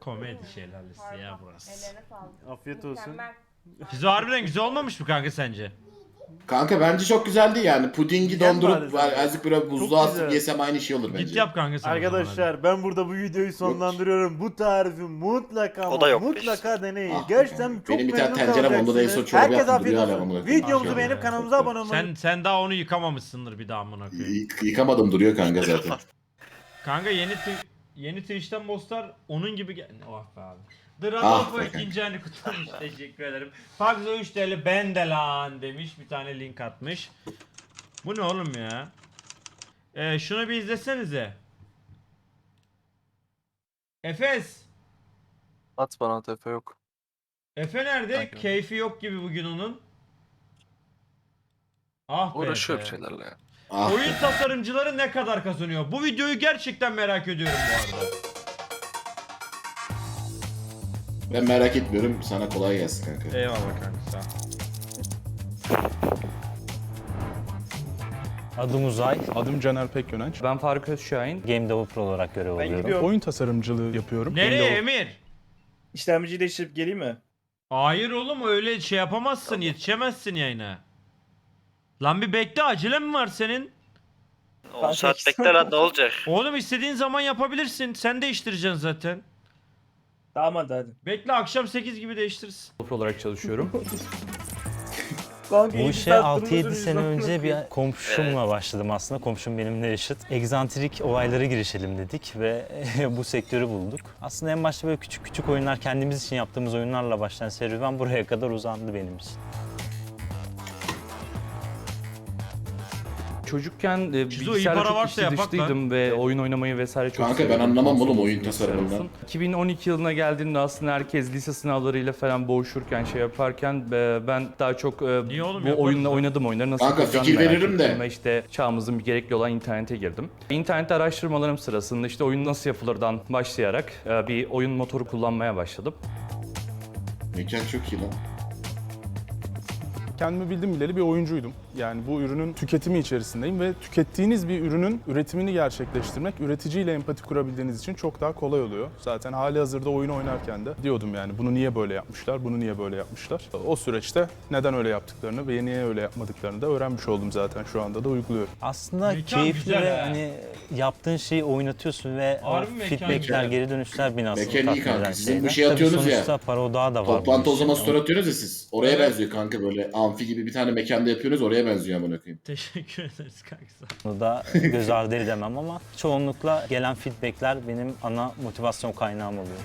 komedi şeyler listesi ya burası. Ellerine sağlık. Afiyet olsun. Mükemmel. Şizo harbiden güzel olmamış mı kanka sence? Kanka bence çok güzeldi yani. Pudingi Güzel dondurup bari azıcık böyle buzluğa Çok atıp güzel. yesem aynı şey olur bence. Git yap kanka sen o zaman Arkadaşlar ben burada bu videoyu sonlandırıyorum. Bu tarifi mutlaka O da yok mutlaka deneyin. Ah, Gerçekten çok benim bir tane memnun tencere var, onda da en son kalacaksınız. çorba Herkes yaptım, afiyet duruyor hala olsun. amına. Videomuzu Maşallah beğenip ya. kanalımıza abone olmayı. Sen daha onu yıkamamışsındır bir daha amına koyayım. Yıkamadım, duruyor kanka zaten. Kanka yeni Twitch'ten bosslar onun gibi oh be abi. The Ah Radolfo be ikinci hani kutlamış, teşekkür ederim. Paxo 3 TL ben de lan demiş, bir tane link atmış. Bu ne oğlum ya? Şunu bir izlesenize. Efes. At bana tefe yok. Efe nerede? Kanka. Keyfi yok gibi bugün onun. Ah be Uğraşıyor bir Efe. şeylerle ya. Ah Oyun be. tasarımcıları ne kadar kazanıyor? Bu videoyu gerçekten merak ediyorum bu arada. Ben merak etmiyorum, sana kolay gelsin kanka. Eyvallah kanka sağ ol. Adım Uzay. Adım Caner Pekyönenç. Ben Faruk Özşahin. Game Developer olarak görev alıyorum. Oyun tasarımcılığı yapıyorum. Nereye Emir? İşlemciyi değiştirip geleyim mi? Hayır oğlum öyle şey yapamazsın, yetişemezsin yayına. Lan bir bekle, acele mi var senin? 10 saat bekle lan ne olacak? Oğlum istediğin zaman yapabilirsin. Sen değiştireceksin zaten. Tamam hadi. Bekle, akşam 8 gibi değiştiririz. Developer olarak çalışıyorum. Bu işe 6-7 sene önce bir komşumla başladım aslında. Komşum benimle eşit. Egzantrik olaylara girişelim dedik ve bu sektörü bulduk. Aslında en başta böyle küçük küçük oyunlar, kendimiz için yaptığımız oyunlarla başlayan serüven buraya kadar uzandı benim için. Çocukken Şizo, iyi bilgisayarla para çok varsa içli yapak dışlıydım ve oyun oynamayı vesaire çok Kanka, ben seviyordum. anlamam oğlum Konsol oyun olsun, tasarımından. bilgisayar olsun. 2012 yılına geldiğimde aslında herkes lise sınavlarıyla falan boğuşurken şey yaparken ben daha çok Niye oğlum, bu yaparız oyunla ya. oynadım oyunları nasıl Kanka, yapacağını fikir merak veririm de. ettim ve işte çağımızın bir gerekli olan internete girdim. İnternette araştırmalarım sırasında işte oyun nasıl yapılırdan başlayarak bir oyun motoru kullanmaya başladım. Mekan çok iyi lan. Kendimi bildim bileli bir oyuncuydum. Yani bu ürünün tüketimi içerisindeyim ve tükettiğiniz bir ürünün üretimini gerçekleştirmek üreticiyle empati kurabildiğiniz için çok daha kolay oluyor. Zaten hali hazırda oyun oynarken de diyordum yani bunu niye böyle yapmışlar, bunu niye böyle yapmışlar. O süreçte neden öyle yaptıklarını ve niye öyle yapmadıklarını da öğrenmiş oldum zaten, şu anda da uyguluyorum. Aslında Mekan keyifli güzel ve ha. hani yaptığın şeyi oynatıyorsun ve o Harbi mekan feedbackler, güzel. geri dönüşler beni aslında Mekan iyi tatmin kanka. eden Sizin bu şeyler. şey Tabii atıyorsunuz ya, sonuçta para odağı da var. Toplantı bu o zaman işin. story atıyorsunuz ya siz. Oraya Evet. benziyor kanka, böyle amfi gibi bir tane mekanda yapıyorsunuz, oraya benziyor amına koyayım. Teşekkür ederiz kanka. Bunu da göz ardı edemem ama çoğunlukla gelen feedbackler benim ana motivasyon kaynağım oluyor.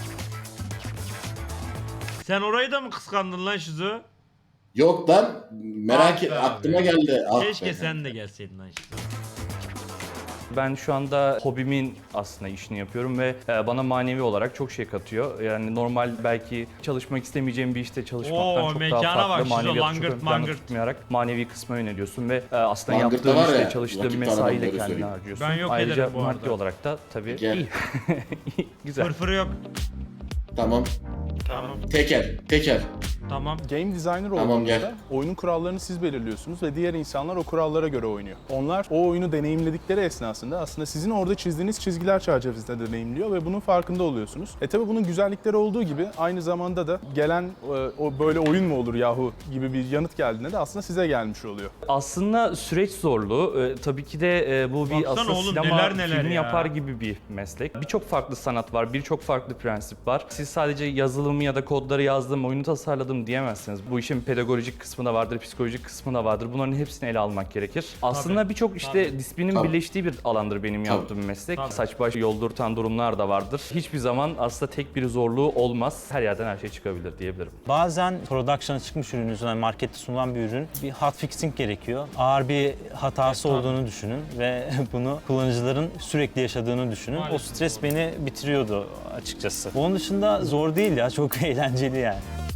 Sen orayı da mı kıskandın lan Şizo? Yok lan, merak Ah et, be aklıma abi. geldi. Ah Keşke be sen kanka. de gelseydin lan Şizo. Ben şu anda hobimin aslında işini yapıyorum ve bana manevi olarak çok şey katıyor. Yani normal belki çalışmak istemeyeceğim bir işte çalışmaktan Oo, çok mekana daha farklı. bak, şurada Maneviyatı çok langırt, ön planda mangırt. tutmayarak manevi kısma yöneliyorsun ve aslında Langırt'ta yaptığın var ya, işte çalıştığın vakit mesaiyle tanımam, öyle kendini söyleyeyim. harcıyorsun. Ben yok Ayrıca ederim bu maddi arada. olarak da tabii Gel. iyi. Güzel. Fırfırı yok. Tamam. Tamam. Tekel. Tamam. Game designer Tamam, olduğunuzda gel. oyunun kurallarını siz belirliyorsunuz ve diğer insanlar o kurallara göre oynuyor. Onlar o oyunu deneyimledikleri esnasında aslında sizin orada çizdiğiniz çizgiler çerçevesinde deneyimliyor ve bunun farkında oluyorsunuz. Tabi bunun güzellikleri olduğu gibi aynı zamanda da gelen o böyle oyun mu olur yahu gibi bir yanıt geldiğinde de aslında size gelmiş oluyor. Aslında süreç zorlu. Tabii ki de bu bir Baksana aslında oğlum, sinema neler neler filmi ya. yapar gibi bir meslek. Birçok farklı sanat var, birçok farklı prensip var. Siz sadece yazılımı ya da kodları yazdım, oyunu tasarladım diyemezsiniz. Bu işin pedagojik kısmı da vardır, psikolojik kısmı da vardır. Bunların hepsini ele almak gerekir. Aslında birçok işte Tabii. disiplinin Tabii. birleştiği bir alandır benim Tabii. yaptığım meslek. Tabii. Saç baş yoldurtan durumlar da vardır. Hiçbir zaman aslında tek bir zorluğu olmaz. Her yerden her şey çıkabilir diyebilirim. Bazen production'a çıkmış ürününüzün, yani markette sunulan bir ürün, bir hotfixing gerekiyor. Ağır bir hatası olduğunu düşünün ve bunu kullanıcıların sürekli yaşadığını düşünün. O Maalesef stres beni bitiriyordu açıkçası. Onun dışında zor değil ya, çok eğlenceli yani.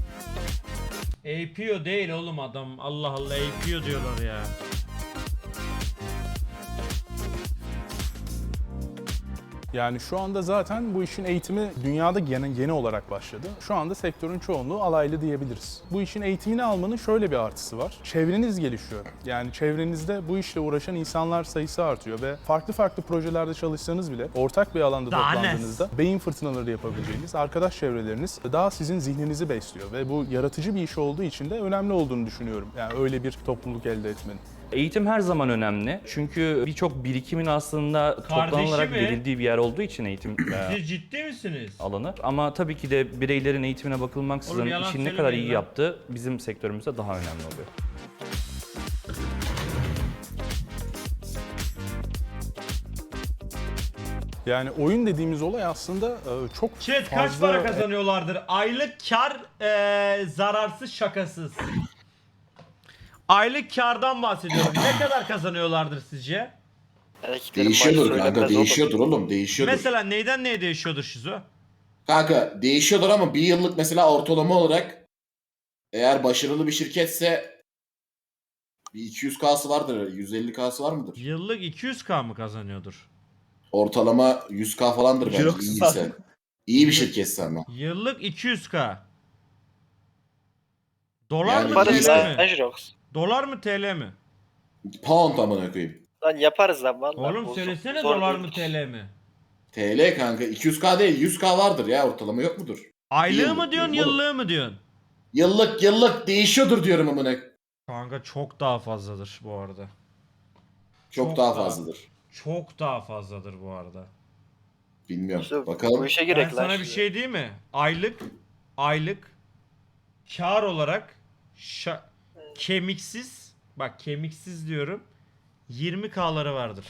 APO değil oğlum adam. Allah Allah, APO diyorlar ya. Yani şu anda zaten bu işin eğitimi dünyada yeni olarak başladı. Şu anda sektörün çoğunluğu alaylı diyebiliriz. Bu işin eğitimini almanın şöyle bir artısı var. Çevreniz gelişiyor. Yani çevrenizde bu işle uğraşan insanlar sayısı artıyor ve farklı projelerde çalışsanız bile ortak bir alanda Daha toplandığınızda beyin fırtınaları yapabileceğiniz arkadaş çevreleriniz daha sizin zihninizi besliyor ve bu yaratıcı bir iş olduğu için de önemli olduğunu düşünüyorum. Yani öyle bir topluluk elde etmenin. Eğitim her zaman önemli. Çünkü birçok birikimin aslında toplanılarak mi? verildiği bir yer olduğu için eğitim Siz ciddi misiniz? alanı. Ama tabii ki de bireylerin eğitimine Oğlum bakılmaksızın yalan işini ne kadar söylemeyin iyi lan. yaptığı bizim sektörümüzde daha önemli oluyor. Yani oyun dediğimiz olay aslında çok Chat fazla... kaç para kazanıyorlardır? Aylık kar zararsız şakasız. Aylık kardan bahsediyorum. Ne kadar kazanıyorlardır sizce? Erkeklerin Değişiyordur maaşı kanka, söylenmez oğlum. değişiyordur oğlum, değişiyordur. Mesela neyden neye değişiyordur Şizo? Kanka değişiyordur ama bir yıllık mesela ortalama olarak eğer başarılı bir şirketse bir 200K'sı vardır, 150K'sı var mıdır? Yıllık 200k mı kazanıyordur? Ortalama 100K falandır bence Yok, iyiyse. İyi bir şirketse ama. Yıllık 200k. Dolar Yani mı Yaparız TL lan mi? Jirox. Dolar mı TL mi? Pound amına koyayım. Lan yaparız lan vallahi. Oğlum bozuk. söylesene Zor dolar mı değildir. TL mi? TL kanka 200K değil 100K vardır ya ortalama yok mudur? Aylığı Yıllık mı diyorsun diyorum oğlum. yıllığı mı diyorsun? Yıllık değişiyordur diyorum amına. Kanka çok daha fazladır bu arada. Çok daha fazladır. Çok daha fazladır bu arada. Bilmiyorum. İşte Bakalım. bu işe Ben gerek lan. sana bir şimdi. şey diyeyim mi? Aylık kar olarak kemiksiz, bak kemiksiz diyorum, 20K'ları vardır.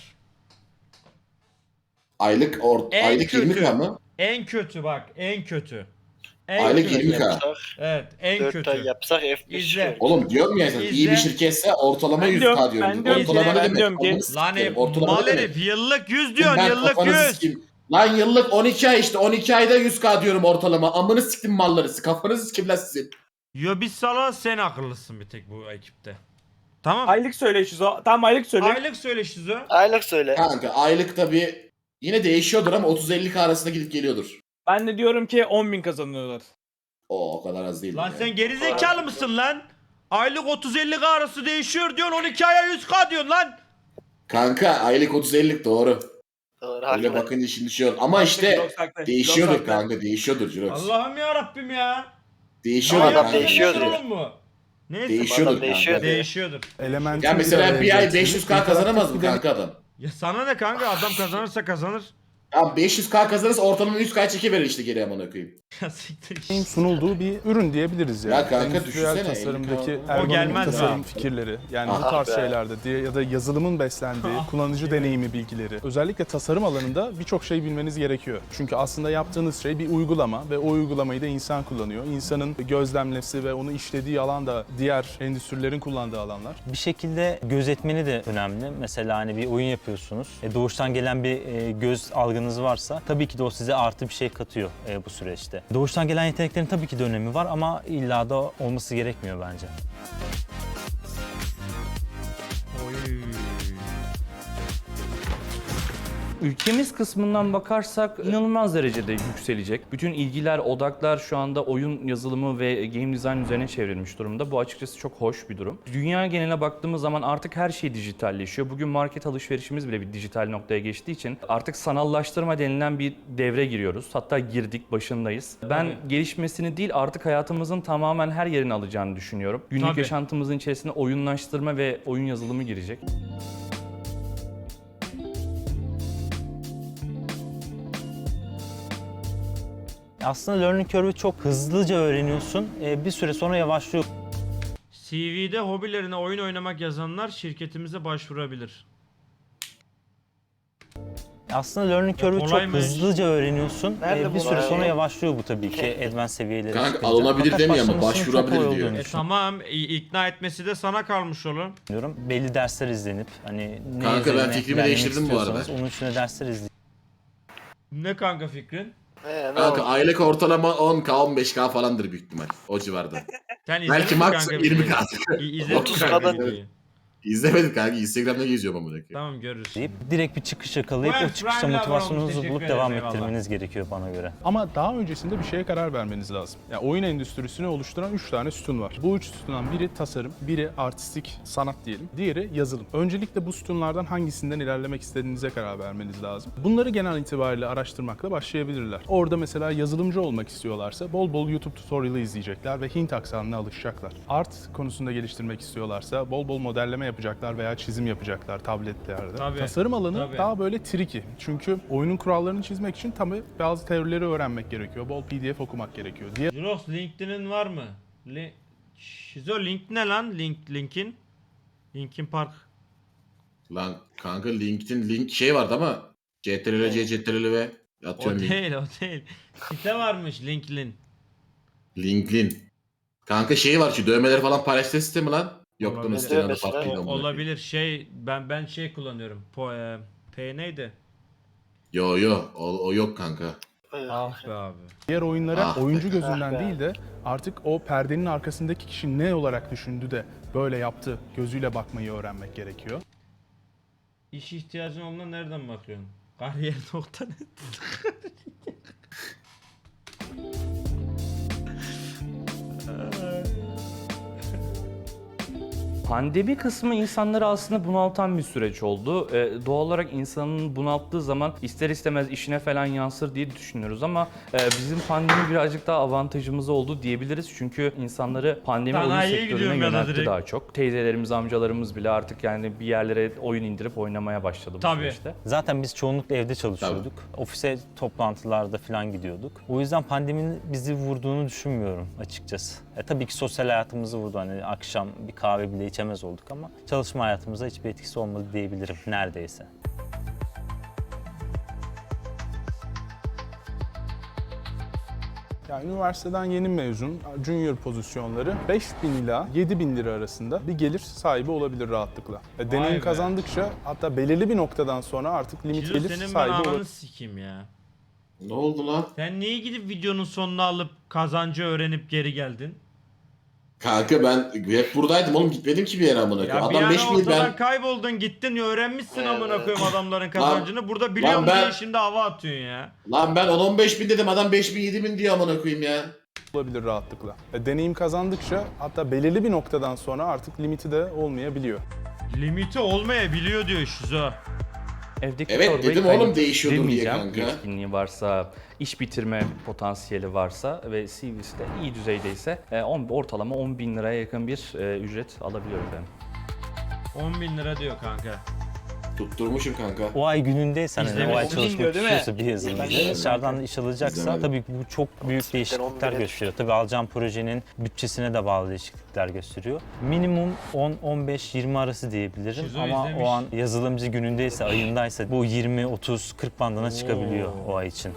Aylık En aylık kötü. 20K mı? En kötü bak, en kötü. En Aylık kötü. 20K. Yapsak, Evet, en 4 ay kötü. yapsak F1 İzle. çıkıyor. Oğlum diyorum ya iyi İzle. bir şirketse ortalama Ben 100K diyorum, diyorum. ben diyorum ki- Ortalama ne ben demek? diyorum ki- Ananı Lan sikerim. Ortalama mal ne demek? herif yıllık 100 diyorsun, Ben yıllık kafanızı 100. sikeyim. Lan yıllık 12 ay işte 12 ayda 100K diyorum ortalama. Amını siktim malları. Kafanızı sikim lan sizin. Yo biz sana sen akıllısın bir tek bu ekipte. Tamam. Aylık söyle Şizo. Tamam aylık söyle. Aylık söyle Şizo. Aylık söyle. Kanka aylık tabi yine değişiyordur ama 30-50K arasında gidip geliyordur. Ben de diyorum ki 10.000 kazanıyorlar. O kadar az değil. Lan yani. sen geri zekalı mısın lan? Aylık 30-50K arası değişiyor diyorsun, 12 aya 100K diyorsun lan. Kanka aylık 30-50 doğru. Doğru Öyle haklı. bakınca şimdi şey olur. Ama işte Jirox haklı, değişiyordur Jirox haklı. kanka değişiyordur Jirox. Allah'ım ya Rabbim ya. Değişiyordur Adam kanka. değişiyordur. Oğlum bu. Neyse. Değişiyordur Adam değişiyor. kanka. Değişiyordur. Elementin Ya mesela bir ay getirdiği 500K kazanamaz mı interaktif kanka adam? Ya sana ne kanka, adam kazanırsa kazanır. Ya 500K kazanırsa ortalama 100K çekiverir işte geri amına koyayım. Ya siktir bir sunulduğu bir ürün diyebiliriz yani. Ya kanka Endüstriyel düşünsene, tasarımdaki 50K. ergonomik gelmez tasarım ha. fikirleri yani bu Ah tarz be. şeylerde ya da yazılımın beslendiği kullanıcı deneyimi bilgileri. Özellikle tasarım alanında birçok şey bilmeniz gerekiyor. Çünkü aslında yaptığınız şey bir uygulama ve o uygulamayı da insan kullanıyor. İnsanın gözlemlesi ve onu işlediği alan da diğer endüstrilerin kullandığı alanlar. Bir şekilde gözetmeni de önemli. Mesela hani bir oyun yapıyorsunuz. Doğuştan gelen bir göz algınız varsa tabii ki de o size artı bir şey katıyor bu süreçte. Doğuştan gelen yeteneklerin tabii ki de önemi var ama illa da olması gerekmiyor bence. Oy. Ülkemiz kısmından bakarsak inanılmaz derecede yükselecek. Bütün ilgiler, odaklar şu anda oyun yazılımı ve game design üzerine çevrilmiş durumda. Bu açıkçası çok hoş bir durum. Dünya geneline baktığımız zaman artık her şey dijitalleşiyor. Bugün market alışverişimiz bile bir dijital noktaya geçtiği için artık sanallaştırma denilen bir devre giriyoruz. Hatta girdik, başındayız. Ben gelişmesini değil artık hayatımızın tamamen her yerini alacağını düşünüyorum. Günlük Tabii. yaşantımızın içerisine oyunlaştırma ve oyun yazılımı girecek. Aslında learning curve'ü çok hızlıca öğreniyorsun. Bir süre sonra yavaşlıyor. CV'de hobilerine oyun oynamak yazanlar şirketimize başvurabilir. Aslında learning curve'ü çok kolaymış. hızlıca öğreniyorsun. Nerede Bir bu süre ya? sonra yavaşlıyor bu tabii ki advanced seviyelere Kanka, çıkınca. alınabilir Fakat demiyor ama başlamasının çok başvurabilir kolay diyor. olduğunu Tamam, ikna etmesi de sana kalmış oğlum. düşünüyorum. Belli dersler izlenip hani ne Kanka, ben üzerine fikrimi ilerlemek değiştirdim bu arada. istiyorsanız onun üstüne dersler izleyin. Ne kanka fikrin? Ne Kanka oldu? aylık ortalama 10K 15K falandır büyük ihtimal o civarda. Sen izledin Belki mi max kanka 20K. videoyu? İzledin mi 30 kanka kadar. videoyu? İzlemedim kanka. Instagram'da geziyorum amına koyayım. Tamam görürüz. deyip direkt bir çıkış yakalayıp Well, o çıkışta Prime'le abone motivasyonunuzu olmuş, bulup teşekkür devam ederim, ettirmeniz gerekiyor bana göre. Ama daha öncesinde bir şeye karar vermeniz lazım. Yani oyun endüstrisini oluşturan 3 tane sütun var. Bu 3 sütundan biri tasarım, biri artistik sanat diyelim, diğeri yazılım. Öncelikle bu sütunlardan hangisinden ilerlemek istediğinize karar vermeniz lazım. Bunları genel itibariyle araştırmakla başlayabilirler. Orada mesela yazılımcı olmak istiyorlarsa bol bol YouTube tutorial'ı izleyecekler ve Hint aksanına alışacaklar. Art konusunda geliştirmek istiyorlarsa bol bol modelleme yapacaklar veya çizim yapacaklar tabletlerde. Tabii, Tasarım alanı tabii. daha böyle tricky. Çünkü oyunun kurallarını çizmek için tabii bazı teorileri öğrenmek gerekiyor. Bol PDF okumak gerekiyor. Jurox LinkedIn'in var mı? Şizo link ne lan? Linkin? Linkin Park. Lan kanka LinkedIn link şey vardı ama CTRL C CTRL V O atıyorum link. değil o değil. Site varmış LinkedIn. LinkedIn. Kanka şey var şu dövmeleri falan paylaştığı sistemi lan. Yoktu Olabilir. sitenin adı Mesela farklıydı amına koyayım. Olabilir şey ben şey kullanıyorum. P neydi? Yo o yok kanka. Ah be abi. Diğer oyunlara Ah be. oyuncu gözünden Ah be. değil de artık o perdenin arkasındaki kişi ne olarak düşündü de böyle yaptı gözüyle bakmayı öğrenmek gerekiyor. İş ihtiyacın olduğuna nereden bakıyorsun? Kariyer.net. Pandemi kısmı insanları aslında bunaltan bir süreç oldu. Doğal olarak insanın bunalttığı zaman ister istemez işine falan yansır diye düşünüyoruz ama bizim pandemi birazcık daha avantajımız oldu diyebiliriz. Çünkü insanları pandemi oyun Sanayiye sektörüne gidiyorum ya da yöneltti direkt. daha çok. Teyzelerimiz, amcalarımız bile artık yani bir yerlere oyun indirip oynamaya başladı bu Tabii. süreçte. Zaten biz çoğunlukla evde çalışıyorduk. Ofise toplantılarda falan gidiyorduk. O yüzden pandeminin bizi vurduğunu düşünmüyorum açıkçası. Tabii ki sosyal hayatımızı vurdu. Hani akşam bir kahve bile içemez olduk ama çalışma hayatımıza hiçbir etkisi olmadı diyebilirim neredeyse. Yani üniversiteden yeni mezun, junior pozisyonları 5.000 ila 7.000 lira arasında bir gelir sahibi olabilir rahatlıkla. Vay Deneyim be. kazandıkça hatta belirli bir noktadan sonra artık limit Şizo gelir senin ben sahibi ananı olabilir. sikeyim ya. Ne oldu lan? Sen niye gidip videonun sonunu alıp kazancı öğrenip geri geldin? Kanka ben hep buradaydım oğlum gitmedim ki bir yere amına Ya koyayım. bir Adam ara 5000 ortadan ben kayboldun gittin öğrenmişsin amına koyayım adamların kazancını. Burada biliyorum lan ben- diye şimdi hava atıyorsun ya. lan ben 10-15 bin dedim adam 5 bin 7 bin diyor amına koyayım ya. Olabilir rahatlıkla. Deneyim kazandıkça hatta belirli bir noktadan sonra artık limiti de olmayabiliyor. Limiti olmayabiliyor diyor Şizo. Evdeki Evet, çorbayı dedim oğlum kaynatıp değişiyordur diye demeyeceğim. kanka. Yetkinliği varsa, iş bitirme potansiyeli varsa ve CV'si de iyi düzeydeyse ortalama 10 bin liraya yakın bir ücret alabiliyor efendim. 10 bin lira diyor kanka. Tutturmuşum kanka. O ay günündeysen, hani o ay İzlemedim. çalışmak Bilmiyor, değil mi? istiyorsa bir yazılımcı dışarıdan iş alacaksa İzlemedim. tabii ki bu çok büyük değişiklikler 11'e gösteriyor. Tabii alacağım projenin bütçesine de bağlı değişiklikler gösteriyor. Minimum 10-15-20 arası diyebilirim Şizo ama izlemiş. o an yazılımcı günündeyse, ayındaysa bu 20-30-40 bandına çıkabiliyor o ay için.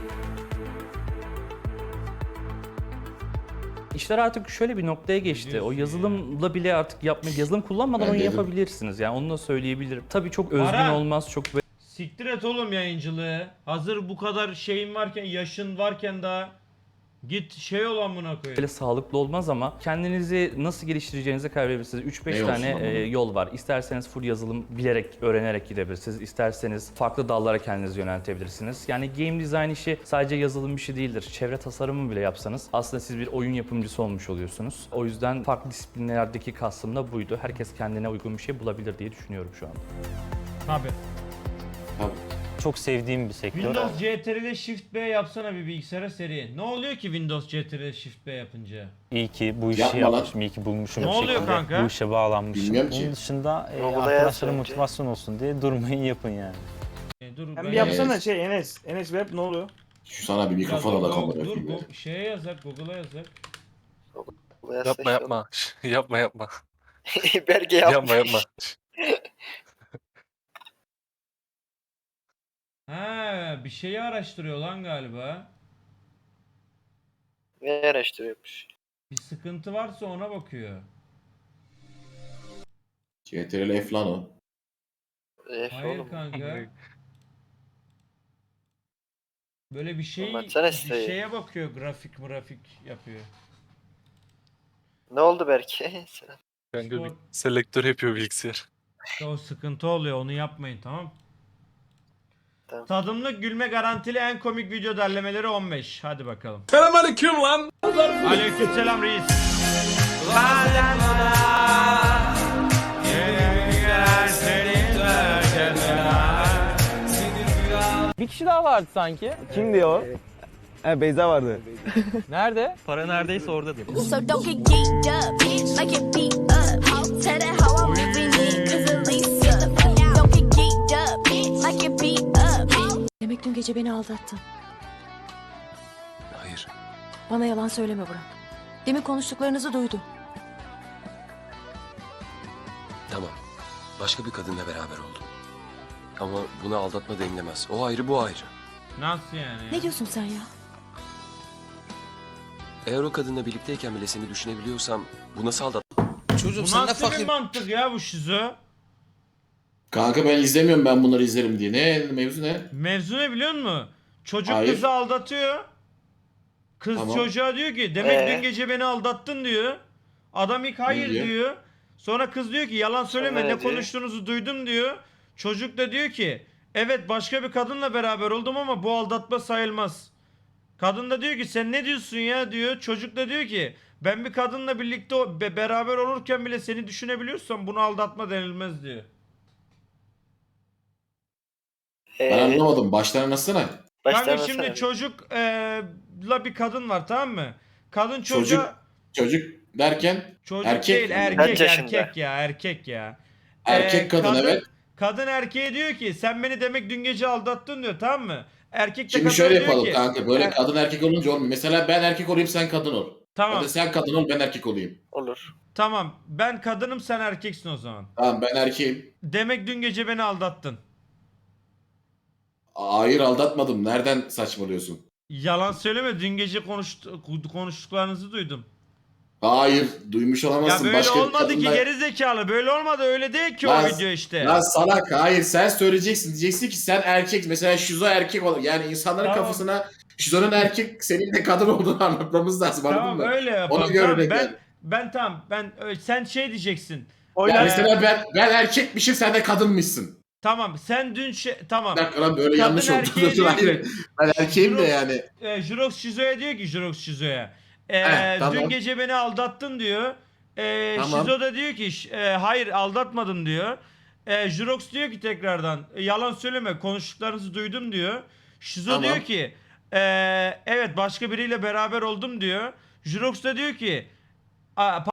İşler artık şöyle bir noktaya geçti. O Diyorsun yazılımla bile artık yazılım kullanmadan Ben oyun dedim. yapabilirsiniz. Yani onu da söyleyebilirim. Tabii çok özgün Ara. olmaz, çok Siktir et oğlum yayıncılığı. Hazır bu kadar şeyin varken, yaşın varken daha git şey ol amına koyayım. böyle sağlıklı olmaz ama kendinizi nasıl geliştireceğinize karar verebilirsiniz. 3-5 Ne olsun tane ama? yol var. İsterseniz full yazılım bilerek, öğrenerek gidebilirsiniz. İsterseniz farklı dallara kendinizi yöneltebilirsiniz. Yani game design işi sadece yazılım işi değildir. Çevre tasarımı bile yapsanız aslında siz bir oyun yapımcısı olmuş oluyorsunuz. O yüzden farklı disiplinlerdeki kastım da buydu. Herkes kendine uygun bir şey bulabilir diye düşünüyorum şu anda. Tabii. Çok sevdiğim bir sektör. Windows CTRL Shift B yapsana bir bilgisayara seri. Ne oluyor ki Windows CTRL Shift B yapınca? İyi ki bu işi Yapma lan. yapmışım, iyi ki bulmuşum Ne bir oluyor şekilde. kanka? Bu işe bağlanmışım. Bilmiyorum ki. Onun dışında Google'a yaz arkadaşlara önce. motivasyon olsun diye durmayın yapın yani. Dur Sen ben bir yapsana Evet. şey Enes. Enes Web ne oluyor? Şu sana bir mikrofon Dur, ala kamera dur, koyayım ya. şeye yazak, Google'a yazak. Yapma yapma. Yapma yapma. Berge yapmış. Yapma yapma. Ha, bir şeyi araştırıyor lan galiba. Ne araştırıyormuş? Bir sıkıntı varsa ona bakıyor. CTRL F lan o. Hayır Oğlum. kanka. Böyle bir şey, Anlatsana bir siteyi. şeye bakıyor, grafik yapıyor. Ne oldu Berke? Selam. Kanka Spor- bir selektör yapıyor bilgisayar. İşte o sıkıntı oluyor, onu yapmayın, tamam. Tamam. Tadımlık gülme garantili en komik video derlemeleri 15. Hadi bakalım. Selamünaleyküm lan. Aleykümselam reis. Bir kişi daha vardı sanki. Kimdi o? Beyza vardı. Nerede? Para neredeyse oradadır. So don't get geeked up, like it beat up. How tell that how I'm living it, cause at least don't get geeked up, like it beat up. Demek dün gece beni aldattın. Hayır. Bana yalan söyleme Burak. Demin konuştuklarınızı duydum. Tamam. Başka bir kadınla beraber oldum. Ama buna aldatma denilemez. O ayrı, bu ayrı. Nasıl yani? Ne diyorsun sen ya? Eğer o kadınla birlikteyken bile seni düşünebiliyorsam bu nasıl aldatma? Bu nasıl bir mantık ya bu şizo? Kanka ben izlemiyorum, ben bunları izlerim diye. Ne mevzu ne? Mevzu ne biliyor musun? Çocuk Hayır. kızı aldatıyor. Kız Tamam. çocuğa diyor ki demek dün gece beni aldattın diyor. Adam ilk hayır diyor? diyor. Sonra kız diyor ki yalan söyleme, Sonra ne ne diyor? konuştuğunuzu duydum diyor. Çocuk da diyor ki evet başka bir kadınla beraber oldum ama bu aldatma sayılmaz. Kadın da diyor ki sen ne diyorsun ya diyor. Çocuk da diyor ki ben bir kadınla birlikte beraber olurken bile seni düşünebiliyorsam bunu aldatma denilmez diyor. Ben anlamadım. Baştan anlatsana. Kanka şimdi çocukla bir kadın var, tamam mı? Kadın çocuğa... Çocuk derken Çocuk erkek değil, mi? erkek yaşında? erkek ya. Erkek kadın, evet. Kadın erkeğe diyor ki sen beni demek dün gece aldattın diyor, tamam mı? Erkek de Şimdi kadına şöyle diyor yapalım ki, kanka. Böyle kadın erkek olunca olmuyor. Mesela ben erkek olayım, sen kadın ol. Tamam. Ya da sen kadın ol, ben erkek olayım. Olur. Tamam ben kadınım sen erkeksin o zaman. Tamam, ben erkeğim. Demek dün gece beni aldattın. Hayır, aldatmadım. Nereden saçmalıyorsun? Yalan söyleme, dün gece konuştuklarınızı duydum. Hayır, duymuş Ya olamazsın. böyle Başka bir olmadı ki kadınla- geri zekalı, böyle olmadı, öyle değil ki Lan- o video işte. Lan salak, hayır, sen söyleyeceksin. Diyeceksin ki sen erkek. Mesela şizo erkek ol. Yani insanların Tamam. kafasına şizonun erkek, senin de kadın olduğunu anlatmamız lazım. Anladın Tamam mı? öyle yapalım. Ona göre Tamam, denk sen şey diyeceksin. Yani mesela ben erkekmişim, sen de kadınmışsın. Tamam sen dün tamam. Bir dakika lan, böyle Kadın yanlış oldu. erkeğe diyor ki- Hayır. Ben erkeğim de Jirox- yani. Jirox Şizo'ya diyor ki Jirox Şizo'ya. Tamam. Dün gece beni aldattın diyor. Tamam. Şizo da diyor ki hayır aldatmadım diyor. Jirox diyor ki tekrardan yalan söyleme konuştuklarınızı duydum diyor. Şizo Tamam. diyor ki evet başka biriyle beraber oldum diyor. Jirox da diyor ki